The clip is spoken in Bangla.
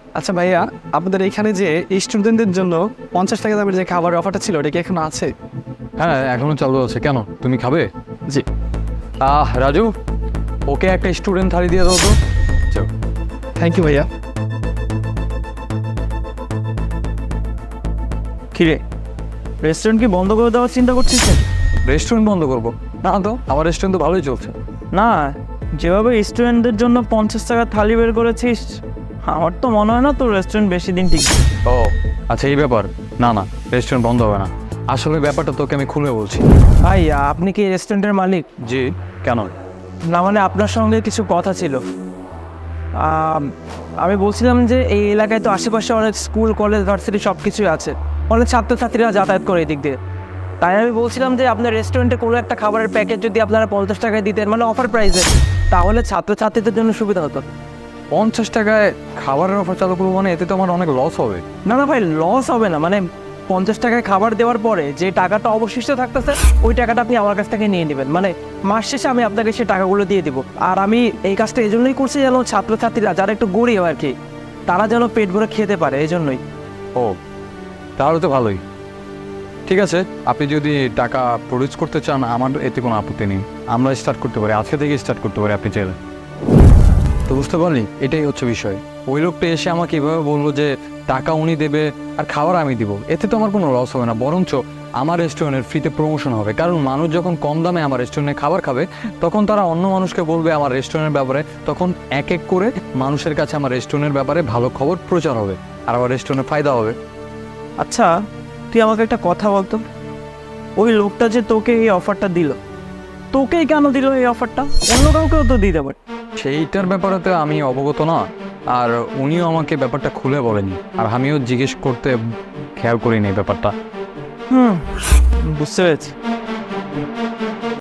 আচ্ছা ভাইয়া, আপনাদের এখানে যে স্টুডেন্টদের জন্য 50 টাকা দামের যে খাবারের অফারটা ছিল ওটা কি এখন আছে? হ্যাঁ, এখনো চালু আছে। কেন, তুমি খাবে? জি। রাজু, ওকে একটা স্টুডেন্ট থালি দিয়ে দাও তো। চলো। থ্যাংক ইউ ভাইয়া। কিরে, রেস্টুরেন্ট কি বন্ধ করে দেওয়ার চিন্তা করছিস নাকি? রেস্টুরেন্ট বন্ধ করবো না তো, আমার রেস্টুরেন্ট তো ভালোই চলছে। না, যেভাবে স্টুডেন্টদের জন্য 50 টাকা থালি বের করেছিস, আমার তো মনে হয় না তোর রেস্টুরেন্ট বেশি দিন টিকবে। ও আচ্ছা, এই ব্যাপার। না না, রেস্টুরেন্ট বন্ধ হবে না। আসলে ব্যাপারটা তোকে আমি খুলে বলছি। ভাই, আপনি কি রেস্টুরেন্টের মালিক? জি। কেন? না মানে আপনার সঙ্গে কিছু কথা ছিল। আমি বলছিলাম যে এই এলাকায় তো আশেপাশে অনেক স্কুল, কলেজ, ভার্সিটি সব কিছুই আছে, অনেক ছাত্রছাত্রীরা যাতায়াত করে এই দিক দিয়ে। তাই আমি বলছিলাম যে আপনার রেস্টুরেন্টে কোনো একটা খাবারের প্যাকেজ যদি আপনারা 50 টাকায় দিতেন, মানে অফার প্রাইসে, তাহলে ছাত্রছাত্রীদের জন্য সুবিধা হতো। 50 টাকায় খাবারের অফার চালু করবো মানে এতে তো আমার অনেক লস হবে। না না ভাই, লস হবে না। মানে 50 টাকায় খাবার দেওয়ার পরে যে টাকাটা অবশিষ্ট থাকতেছে, ওই টাকাটা আপনি আমার কাছ থেকে নিয়ে নেবেন। মানে মাস শেষে আমি আপনাকে সেই টাকাগুলো দিয়ে দিব। আর আমি এই কাজটা এই জন্যই করছি যেন ছাত্রছাত্রীরা যারা একটু গরিব আর কি, তারা যেন পেট ভরে খেতে পারে, এই জন্যই। ও, তাহলে তো ভালোই। ঠিক আছে, আপনি যদি টাকা প্রডিউস করতে চান আমার এতে কোনো আপত্তি নেই। আমরা স্টার্ট করতে পারি, আজকে থেকে স্টার্ট করতে পারি আপনি চাইলে। তো বুঝতে পারলি, এটাই হচ্ছে বিষয়। ওই লোকটা এসে আমাকে এভাবে বললো যে টাকা উনি দেবে আর খাবার আমি দিব, এতে তো আমার কোনো লস হবে না, বরঞ্চ আমার রেস্টুরেন্টের ফ্রিতে প্রমোশন হবে। কারণ মানুষ যখন কম দামে আমার রেস্টুরেন্টে খাবার খাবে, তখন তারা অন্য মানুষকে বলবে আমার রেস্টুরেন্টের ব্যাপারে, তখন এক এক করে মানুষের কাছে আমার রেস্টুরেন্টের ব্যাপারে ভালো খবর প্রচার হবে, আর আমার রেস্টুরেন্টের ফায়দা হবে। আচ্ছা, তুই আমাকে একটা কথা বলতো, ওই লোকটা যে তোকে এই অফারটা দিল, তোকেই কেন দিল এই অফারটা? অন্য কাউকেও তো দিতে পারে। সেইটার ব্যাপারে তো আমি অবগত না, আর উনিও আমাকে ব্যাপারটা খুলে বলেনি, আর আমিও জিজ্ঞেস করতে খেয়াল করিনি ব্যাপারটা। বুঝতে পেরেছি।